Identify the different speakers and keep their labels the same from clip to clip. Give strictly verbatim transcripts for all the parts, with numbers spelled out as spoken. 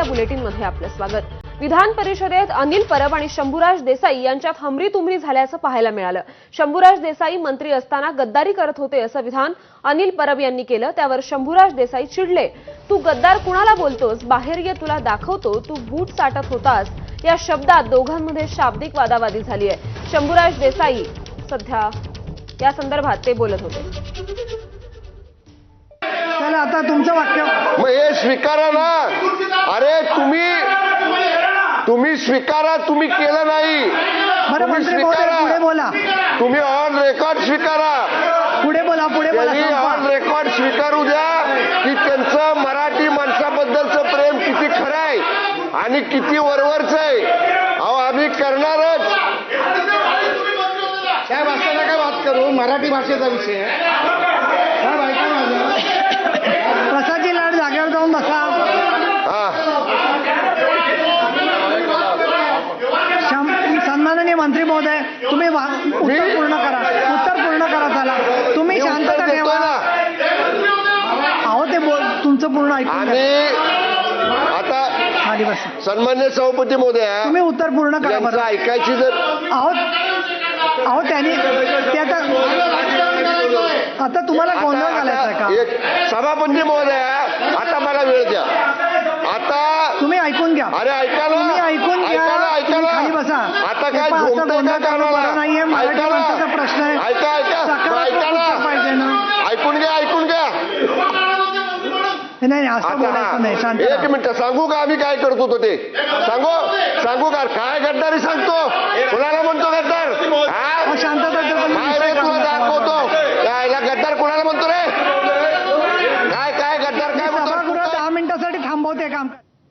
Speaker 1: या बुलेटिनमध्ये आपलं स्वागत। विधान परिषदेत अनिल परब आणि शंभूराज देसाई यांच्यात हमरी-तुमरी झाल्याचं पाहायला मिळालं। शंभूराज देसाई मंत्री असताना गद्दारी करत होते असं विधान अनिल परब यांनी केलं। त्यावर शंभूराज देसाई चिडले, तू गद्दार कुणाला बोलतोस, बाहेर ये तुला दाखवतो, तू बूट साटत होतास, या शब्दात दोघांमध्ये शाब्दिक वादावादी झाली आहे। शंभूराज देसाई सध्या या संदर्भात ते बोलत होते।
Speaker 2: चला आता तुमचं वाक्य
Speaker 3: मग हे स्वीकारा ना। अरे तुम्ही तुम्ही स्वीकारा, तुम्ही केलं नाही।
Speaker 2: बरं मंत्री महोदय पुढे बोला,
Speaker 3: तुम्ही ऑन रेकॉर्ड स्वीकारा,
Speaker 2: पुढे बोला, पुढे बोला,
Speaker 3: त्यांनी ऑन रेकॉर्ड स्वीकारू द्या की त्यांचं मराठी माणसाबद्दलचं प्रेम किती खरं आहे आणि किती वरवरचं आहे। अहो आम्ही करणारच
Speaker 4: साहेब। असं नका बात करू, मराठी भाषेचा विषय आहे साहेब। ऐका माझं,
Speaker 2: प्रसादजी लाड जागेवर जाऊन बसा। सन्माननीय मंत्री महोदय तुम्ही उत्तर पूर्ण करा, उत्तर पूर्ण करा। चला तुम्ही शांतता ठेवा। अहो ते बोल तुमचं पूर्ण ऐकून
Speaker 3: आणि आता
Speaker 2: खाली बसा।
Speaker 3: सन्मान्य सभापती महोदय
Speaker 2: तुम्ही उत्तर पूर्ण करा
Speaker 3: यांचं
Speaker 2: बरं।
Speaker 3: ऐकायची जर
Speaker 2: अहो अहो त्यांनी ते आता आता तुम्हाला गोंधळ घालायचा का?
Speaker 3: एक सभापती महोदय आता मला वेळ द्या। आता
Speaker 2: तुम्ही ऐकून घ्या।
Speaker 3: अरे ऐकायला
Speaker 2: तुम्ही ऐकून घ्या,
Speaker 3: ऐकायला
Speaker 2: तुम्ही
Speaker 3: ऐकायला
Speaker 2: खाली बसा।
Speaker 3: आता
Speaker 2: हे
Speaker 3: काय
Speaker 2: पहा, असं
Speaker 3: झोपतंय
Speaker 2: गोंधळ
Speaker 3: का
Speaker 2: करणं
Speaker 3: कानाला?
Speaker 2: बरं नाहीये। मराठी
Speaker 3: ऐकायला.
Speaker 2: माणसाचा प्रश्न आहे।
Speaker 3: ऐका ऐका
Speaker 2: सकारात्मक
Speaker 3: ऐका
Speaker 2: उत्तर पाहिजे
Speaker 3: ना।
Speaker 2: ना।
Speaker 3: ऐकून घ्या ऐकून घ्या
Speaker 2: नाही नाही असं बोलायचं नाही। शांत
Speaker 3: एक
Speaker 2: राहा।
Speaker 3: मिनिट सांगू का आम्ही काय करत होतो ते सांगू सांगू का? काय गद्दारी सांगतो, कुणाला म्हणतो गद्दार? हा?
Speaker 2: अहो, शांतता ठेवा, तुम्ही
Speaker 3: काय
Speaker 2: विषय
Speaker 3: रे तुला
Speaker 2: काढू नका.
Speaker 3: दाखवतो यायला गद्दार कुणाला म्हणतो रे? काय काय गद्दार काय
Speaker 2: सभागृह
Speaker 3: म्हणतो?
Speaker 2: दहा मिनिटासाठी थांबवते काम।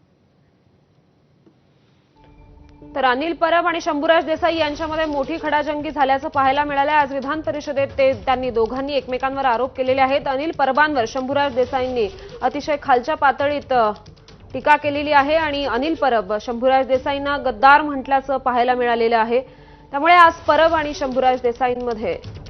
Speaker 1: तर अनिल परब आणि शंभूराज देसाई यांच्यामध्ये मोठी खडाजंगी झाल्याचं पाहायला मिळालं। आज विधान परिषदेत ते त्यांनी दोघांनी एकमेकांवर आरोप केलेले आहेत। अनिल परबांवर शंभूराज देसाईंनी अतिशय खालच्या पातळीत टीका केलेली आहे आणि अनिल परब शंभूराज देसाईंना गद्दार म्हटल्याचं पाहायला मिळालेलं आहे। त्यामुळे आज परब आणि शंभूराज देसाईंमध्ये